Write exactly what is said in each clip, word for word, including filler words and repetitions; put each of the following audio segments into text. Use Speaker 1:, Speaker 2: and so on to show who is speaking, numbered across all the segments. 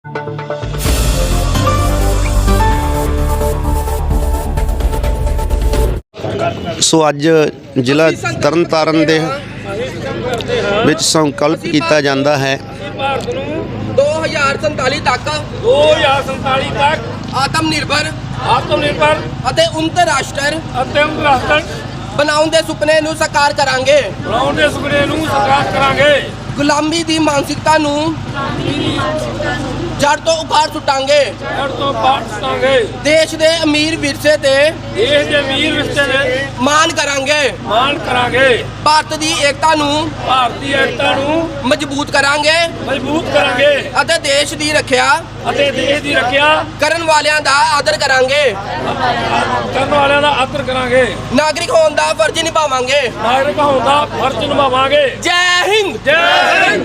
Speaker 1: ਸੋ ਅੱਜ ਜ਼ਿਲ੍ਹਾ ਤਰਨਤਾਰਨ ਦੇ ਵਿੱਚ ਸੰਕਲਪ ਕੀਤਾ ਜਾਂਦਾ ਹੈ
Speaker 2: दो हज़ार संताली तक
Speaker 3: दो हज़ार संताली तक
Speaker 2: आत्म निर्भर
Speaker 3: आत्म निर्भर
Speaker 2: ਅਤੇ ਅੰਤਰਰਾਸ਼ਟਰ
Speaker 3: ਅਤਿਮ ਰਾਸ਼ਟਰ
Speaker 2: ਬਣਾਉਣ ਦੇ ਸੁਪਨੇ ਨੂੰ ਸਾਕਾਰ ਕਰਾਂਗੇ
Speaker 3: ਬਣਾਉਣ ਦੇ ਸੁਪਨੇ ਨੂੰ ਸਾਕਾਰ ਕਰਾਂਗੇ।
Speaker 2: ਗੁਲਾਮੀ ਦੀ ਮਾਨਸਿਕਤਾ ਨੂੰ ਜੜ ਤੋਂ ਉਖਾੜ ਸੁੱਟਾਂਗੇ
Speaker 3: ਜੜ ਤੋਂ ਪਾੜ ਸੁੱਟਾਂਗੇ।
Speaker 2: ਦੇਸ਼ ਦੇ ਅਮੀਰ ਵਿਰਸੇ ਤੇ
Speaker 3: ਦੇਸ਼ ਦੇ ਵੀਰ ਵਿਰਸੇ ਦੇ
Speaker 2: ਮਾਣ ਕਰਾਂਗੇ
Speaker 3: ਮਾਣ ਕਰਾਂਗੇ।
Speaker 2: ਭਾਰਤ ਦੀ ਏਕਤਾ ਨੂੰ
Speaker 3: ਭਾਰਤੀ ਏਕਤਾ ਨੂੰ
Speaker 2: ਮਜ਼ਬੂਤ ਕਰਾਂਗੇ
Speaker 3: ਮਜ਼ਬੂਤ ਕਰਾਂਗੇ
Speaker 2: ਅਤੇ ਦੇਸ਼ ਦੀ ਰੱਖਿਆ
Speaker 3: ਅਤੇ ਦੇਸ਼ ਦੀ ਰੱਖਿਆ
Speaker 2: ਕਰਨ ਵਾਲਿਆਂ ਦਾ ਆਦਰ ਕਰਾਂਗੇ
Speaker 3: ਕਰਨ ਵਾਲਿਆਂ ਦਾ ਆਦਰ ਕਰਾਂਗੇ।
Speaker 2: ਨਾਗਰਿਕ ਹੋਣ ਦਾ ਫਰਜ਼ ਨਿਭਾਵਾਂਗੇ।
Speaker 3: ਨਾਗਰਿਕ ਹੋਣ ਦਾ ਫਰਜ਼ ਨਿਭਾਵਾਂਗੇ।
Speaker 2: ਜੈ ਹਿੰਦ
Speaker 3: ਜੈ ਹਿੰਦ।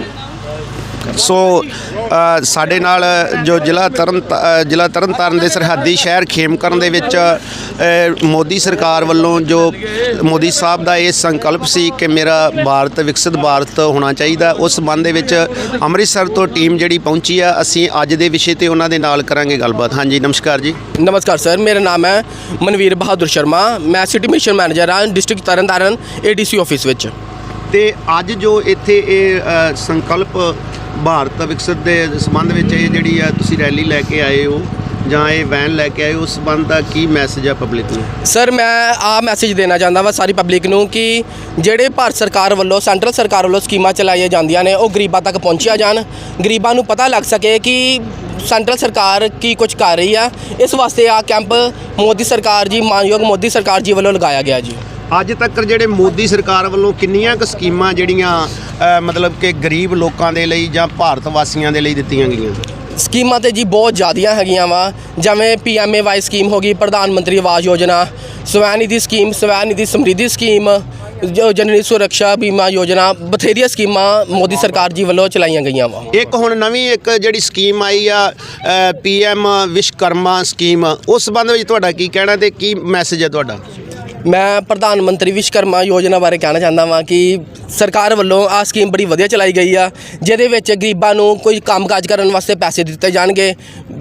Speaker 1: ਸੋ ਅ, ਸਾਡੇ ਨਾਲ ਜੋ ਜ਼ਿਲ੍ਹਾ ਤਰਨ ਅ, ਜ਼ਿਲ੍ਹਾ ਤਰਨਤਾਰਨ ਦੇ ਸਰਹੱਦੀ ਸ਼ਹਿਰ ਖੇਮਕਰਨ ਦੇ ਵਿੱਚ ਅ, ਮੋਦੀ ਸਰਕਾਰ ਵੱਲੋਂ ਜੋ ਮੋਦੀ ਸਾਹਿਬ ਦਾ ਇਹ ਸੰਕਲਪ ਸੀ ਕਿ ਮੇਰਾ ਭਾਰਤ ਵਿਕਸਿਤ ਭਾਰਤ ਹੋਣਾ ਚਾਹੀਦਾ, ਉਸ ਸੰਬੰਧ ਦੇ ਵਿੱਚ ਅੰਮ੍ਰਿਤਸਰ ਤੋਂ ਟੀਮ ਜਿਹੜੀ ਪਹੁੰਚੀ ਆ, ਅਸੀਂ ਅੱਜ ਦੇ ਵਿਸ਼ੇ ਤੇ ਉਹਨਾਂ ਦੇ ਨਾਲ ਕਰਾਂਗੇ ਗੱਲਬਾਤ। ਹਾਂਜੀ, ਨਮਸਕਾਰ ਜੀ।
Speaker 2: नमस्कार सर, मेरा नाम है मनवीर बहादुर शर्मा। मैं सिटी मिशन मैनेजर हाँ district Taran Taran A D C office विच।
Speaker 1: ਤੇ ਅੱਜ ਜੋ ਇੱਥੇ ਇਹ ਅ, ਸੰਕਲਪ ਭਾਰਤ ਵਿਕਸਿਤ ਦੇ ਸੰਬੰਧ ਵਿੱਚ ਇਹ ਜਿਹੜੀ ਆ ਤੁਸੀਂ ਰੈਲੀ ਲੈ ਕੇ ਆਏ ਹੋ ਜਾਂ ਇਹ ਵੈਨ ਲੈ ਕੇ ਆਏ ਹੋ, ਉਸ ਸੰਬੰਧ ਦਾ ਕੀ ਮੈਸੇਜ ਆ ਪਬਲਿਕ ਨੂੰ?
Speaker 2: ਸਰ ਮੈਂ ਆ ਮੈਸੇਜ ਦੇਣਾ ਚਾਹੁੰਦਾ ਵਾ ਸਾਰੀ ਪਬਲਿਕ ਨੂੰ ਕਿ ਜਿਹੜੇ ਭਾਰਤ ਸਰਕਾਰ ਵੱਲੋਂ ਸੈਂਟਰਲ ਸਰਕਾਰ ਵੱਲੋਂ ਸਕੀਮਾਂ ਚਲਾਈਆਂ ਜਾਂਦੀਆਂ ਨੇ ਉਹ ਗਰੀਬਾਂ ਤੱਕ ਪਹੁੰਚੀਆਂ ਜਾਣ, ਗਰੀਬਾਂ ਨੂੰ ਪਤਾ ਲੱਗ ਸਕੇ ਕਿ ਸੈਂਟਰਲ ਸਰਕਾਰ ਕੀ ਕੁਝ ਕਰ ਰਹੀ ਆ। ਇਸ ਵਾਸਤੇ ਆ ਕੈਂਪ ਮੋਦੀ ਸਰਕਾਰ ਜੀ ਮਾਨਯੋਗ ਮੋਦੀ ਸਰਕਾਰ ਜੀ ਵੱਲੋਂ ਲਗਾਇਆ ਗਿਆ ਜੀ।
Speaker 1: ਅੱਜ ਤੱਕ ਜਿਹੜੇ ਮੋਦੀ ਸਰਕਾਰ ਵੱਲੋਂ ਕਿੰਨੀਆਂ ਕੁ ਸਕੀਮਾਂ ਜਿਹੜੀਆਂ ਅ, ਮਤਲਬ ਕਿ ਗਰੀਬ ਲੋਕਾਂ ਦੇ ਲਈ ਜਾਂ ਭਾਰਤ ਵਾਸੀਆਂ ਦੇ ਲਈ ਦਿੱਤੀਆਂ ਗਈਆਂ?
Speaker 2: ਸਕੀਮਾਂ ਤੇ ਜੀ ਬਹੁਤ ਜ਼ਿਆਦੀਆਂ ਹੈਗੀਆਂ ਵਾ, ਜਿਵੇਂ P M A Y scheme ਹੋ ਗਈ, ਪ੍ਰਧਾਨ ਮੰਤਰੀ ਆਵਾਸ ਯੋਜਨਾ, ਸਵੈ ਨਿਧੀ ਸਕੀਮ, ਸਵੈ ਨਿਧੀ ਸਮਰਿੱਧੀ ਸਕੀਮ, ਜੋ ਜਨਨੀ ਸੁਰੱਖਿਆ ਬੀਮਾ ਯੋਜਨਾ, ਬਥੇਰੀਆਂ ਸਕੀਮਾਂ ਮੋਦੀ ਸਰਕਾਰ ਜੀ ਵੱਲੋਂ ਚਲਾਈਆਂ ਗਈਆਂ ਵਾ।
Speaker 1: ਇੱਕ ਹੁਣ ਨਵੀਂ ਇੱਕ ਜਿਹੜੀ ਸਕੀਮ ਆਈ ਆ ਪੀ ਐਮ ਵਿਸ਼ਵਕਰਮਾ ਸਕੀਮ, ਉਸ ਸੰਬੰਧ ਵਿੱਚ ਤੁਹਾਡਾ ਕੀ ਕਹਿਣਾ ਤੇ ਕੀ ਮੈਸੇਜ ਹੈ ਤੁਹਾਡਾ?
Speaker 2: ਮੈਂ ਪ੍ਰਧਾਨ ਮੰਤਰੀ ਵਿਸ਼ਵਕਰਮਾ ਯੋਜਨਾ ਬਾਰੇ ਕਹਿਣਾ ਚਾਹੁੰਦਾ ਵਾਂ ਕਿ ਸਰਕਾਰ ਵੱਲੋਂ ਆ ਸਕੀਮ ਬੜੀ ਵਧੀਆ ਚਲਾਈ ਗਈ ਆ, ਜਿਹਦੇ ਵਿੱਚ ਗਰੀਬਾਂ ਨੂੰ ਕੋਈ ਕੰਮਕਾਜ ਕਰਨ ਵਾਸਤੇ ਪੈਸੇ ਦਿੱਤੇ ਜਾਣਗੇ।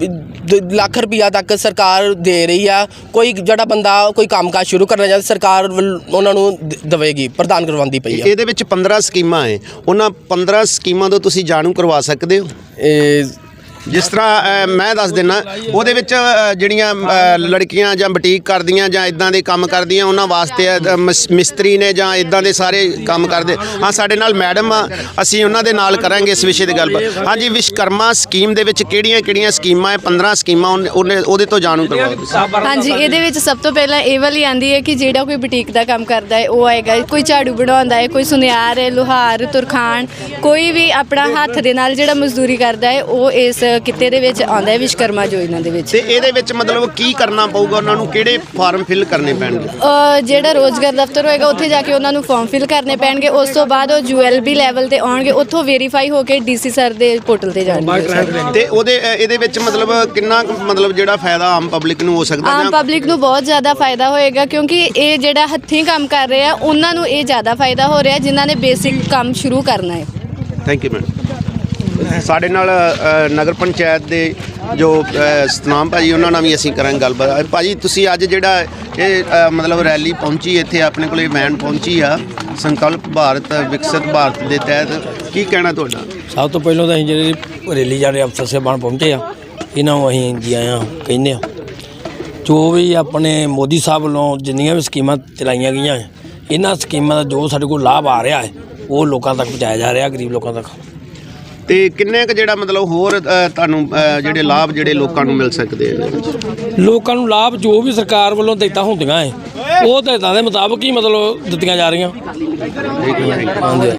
Speaker 2: ਦ- ਲੱਖ ਰੁਪਈਆ ਤੱਕ ਸਰਕਾਰ ਦੇ ਰਹੀ ਆ। ਕੋਈ ਜਿਹੜਾ ਬੰਦਾ ਕੋਈ ਕੰਮਕਾਜ ਸ਼ੁਰੂ ਕਰਨਾ ਚਾਹੁੰਦਾ ਸਰਕਾਰ ਵੱਲ ਉਹਨਾਂ ਨੂੰ ਦ- ਦੇਵੇਗੀ, ਪ੍ਰਦਾਨ ਕਰਵਾਉਂਦੀ ਪਈ ਆ।
Speaker 1: ਇਹਦੇ ਵਿੱਚ ਪੰਦਰਾਂ ਸਕੀਮਾਂ ਹੈ, ਉਹਨਾਂ ਪੰਦਰਾਂ ਸਕੀਮਾਂ ਤੋਂ ਤੁਸੀਂ ਜਾਣੂ ਕਰਵਾ ਸਕਦੇ ਹੋ।
Speaker 2: ਇਹ
Speaker 1: ਜਿਸ ਤਰ੍ਹਾਂ ਅ, ਮੈਂ ਦੱਸ ਦਿੰਦਾ, ਉਹਦੇ ਵਿੱਚ ਅ, ਜਿਹੜੀਆਂ ਅ, ਲੜਕੀਆਂ ਜਾਂ ਬੁਟੀਕ ਕਰਦੀਆਂ ਜਾਂ ਇਦਾਂ ਦੇ ਕੰਮ ਕਰਦੀਆਂ ਉਹਨਾਂ ਵਾਸਤੇ ਅ, ਮਿਸ- ਮਿਸਤਰੀ ਨੇ ਜਾਂ ਇਦਾਂ ਦੇ ਸਾਰੇ ਕੰਮ ਕਰਦੇ। ਹਾਂ, ਸਾਡੇ ਨਾਲ ਮੈਡਮ ਆ, ਅਸੀਂ ਉਹਨਾਂ ਦੇ ਨਾਲ ਕਰਾਂਗੇ ਇਸ ਵਿਸ਼ੇ ਦੀ ਗੱਲਬਾਤ। ਹਾਂਜੀ, ਵਿਸ਼ਵਕਰਮਾ ਸਕੀਮ ਦੇ ਵਿੱਚ ਕਿਹੜੀਆਂ ਕਿਹੜੀਆਂ ਸਕੀਮਾਂ ਹੈ? ਪੰਦਰਾਂ ਸਕੀਮਾਂ ਉਹਨੇ- ਉਹਨੇ ਉਹਦੇ ਤੋਂ ਜਾਣੂ ਕਰਵਾਓ ਤੁਸੀਂ।
Speaker 4: ਹਾਂਜੀ, ਇਹਦੇ ਵਿੱਚ ਸਭ ਤੋਂ ਪਹਿਲਾਂ ਇਹ ਵਾਲੀ ਆਂਦੀ ਹੈ ਕਿ ਜਿਹੜਾ ਕੋਈ ਬੁਟੀਕ ਦਾ ਕੰਮ ਕਰਦਾ ਹੈ ਉਹ ਆਏਗਾ, ਕੋਈ ਝਾੜੂ ਬਣਾਉਂਦਾ ਹੈ, ਕੋਈ ਸੁਨਿਆਰ ਹੈ, ਲੁਹਾਰ, ਤੁਰਖਾਨ, ਕੋਈ ਵੀ ਆਪਣਾ ਹੱਥ ਦੇ ਨਾਲ ਜਿਹੜਾ ਮਜ਼ਦੂਰੀ ਕਰਦਾ ਹੈ ਉਹ ਇਸ ਕਿੱਤੇ ਦੇ ਵਿੱਚ ਆਉਂਦਾ ਹੈ ਵਿਸ਼ਵਕਰਮਾ ਯੋਜਨਾ ਦੇ ਵਿੱਚ।
Speaker 1: ਤੇ ਇਹਦੇ ਵਿੱਚ ਮਤਲਬ ਕੀ ਕਰਨਾ ਪਊਗਾ ਉਹਨਾਂ ਨੂੰ? ਕਿਹੜੇ ਫਾਰਮ ਫਿਲ ਕਰਨੇ ਪੈਣਗੇ?
Speaker 4: ਅ, ਜਿਹੜਾ ਰੋਜ਼ਗਾਰ ਦਫ਼ਤਰ ਹੋਏਗਾ ਉੱਥੇ ਜਾ ਕੇ ਉਹਨਾਂ ਨੂੰ ਫਾਰਮ ਫਿਲ ਕਰਨੇ ਪੈਣਗੇ। ਉਸ ਤੋਂ ਬਾਅਦ ਉਹ ਯੂ ਐਲ ਬੀ ਲੈਵਲ ਤੇ ਆਉਣਗੇ, ਉੱਥੋਂ ਵੈਰੀਫਾਈ ਹੋ ਕੇ ਡੀ ਸੀ ਸਰ ਦੇ ਪੋਰਟਲ ਤੇ ਜਾਣਗੇ।
Speaker 1: ਤੇ ਉਹਦੇ ਅ, ਇਹਦੇ ਵਿੱਚ ਮਤਲਬ ਕਿੰਨਾ ਕੁ ਮਤਲਬ ਜਿਹੜਾ ਫਾਇਦਾ ਆਮ ਪਬਲਿਕ ਨੂੰ ਹੋ ਸਕਦਾ?
Speaker 4: ਆਮ
Speaker 1: ਜਾਂ
Speaker 4: ਪਬਲਿਕ ਨੂੰ ਬਹੁਤ ਜ਼ਿਆਦਾ ਫਾਇਦਾ ਹੋਏਗਾ, ਕਿਉਂਕਿ ਇਹ ਜਿਹੜਾ ਹੱਥੀਂ ਕੰਮ ਕਰ ਰਹੇ ਆ ਉਹਨਾਂ ਨੂੰ ਇਹ ਜ਼ਿਆਦਾ ਫਾਇਦਾ ਹੋ ਰਿਹਾ ਜਿਨ੍ਹਾਂ ਨੇ ਬੇਸਿਕ ਕੰਮ ਸ਼ੁਰੂ ਕਰਨਾ ਹੈ।
Speaker 1: Thank you madam. ਸਾਡੇ ਨਾਲ ਅ, ਨਗਰ ਪੰਚਾਇਤ ਦੇ ਜੋ ਅ, ਸਤਨਾਮ ਭਾਜੀ, ਉਹਨਾਂ ਨਾਲ ਵੀ ਅਸੀਂ ਕਰਾਂਗੇ ਗੱਲਬਾਤ। ਅ, ਭਾਜੀ, ਤੁਸੀਂ ਅੱਜ ਜਿਹੜਾ ਇਹ ਅ, ਮਤਲਬ ਰੈਲੀ ਪਹੁੰਚੀ ਇੱਥੇ, ਆਪਣੇ ਕੋਲ ਇਹ ਵੈਨ ਪਹੁੰਚੀ ਆ ਸੰਕਲਪ ਭਾਰਤ ਵਿਕਸਿਤ ਭਾਰਤ ਦੇ ਤਹਿਤ, ਕੀ ਕਹਿਣਾ ਤੁਹਾਡਾ?
Speaker 5: ਸਭ ਤੋਂ ਪਹਿਲਾਂ ਤਾਂ ਅਸੀਂ ਜਿਹੜੇ ਰੈਲੀ ਜਾਣੇ ਅਫਸਰ ਸਾਹਿਬਾਨ ਪਹੁੰਚੇ ਆ, ਇਹਨਾਂ ਨੂੰ ਅਸੀਂ ਜੀ ਆਇਆਂ ਕਹਿੰਦੇ ਆ। ਜੋ ਵੀ ਆਪਣੇ ਮੋਦੀ ਸਾਹਿਬ ਵੱਲੋਂ ਜਿੰਨੀਆਂ ਵੀ ਸਕੀਮਾਂ ਚਲਾਈਆਂ ਗਈਆਂ ਹੈ, ਇਹਨਾਂ ਸਕੀਮਾਂ ਦਾ ਜੋ ਸਾਡੇ ਕੋਲ ਲਾਭ ਆ ਰਿਹਾ ਹੈ ਉਹ ਲੋਕਾਂ ਤੱਕ ਪਹੁੰਚਾਇਆ ਜਾ ਰਿਹਾ, ਗਰੀਬ ਲੋਕਾਂ ਤੱਕ।
Speaker 1: ਤੇ ਕਿੰਨੇ ਕੁ ਜਿਹੜਾ ਮਤਲਬ ਹੋਰ ਅ, ਤੁਹਾਨੂੰ ਅ, ਜਿਹੜੇ ਲਾਭ ਜਿਹੜੇ ਲੋਕਾਂ ਨੂੰ ਮਿਲ ਸਕਦੇ ਨੇ?
Speaker 5: ਲੋਕਾਂ ਨੂੰ ਲਾਭ ਜੋ ਵੀ ਸਰਕਾਰ ਵੱਲੋਂ ਦਿੱਤਾ ਹੁੰਦੀਆਂ ਹੈ ਉਹ ਦਿੱਤਾਂ ਦੇ ਮੁਤਾਬਕ ਹੀ ਮਤਲਬ ਦਿੱਤੀਆਂ ਜਾ ਰਹੀਆਂ।
Speaker 1: ਠੀਕ ਹੈ।
Speaker 5: ਹਾਂਜੀ।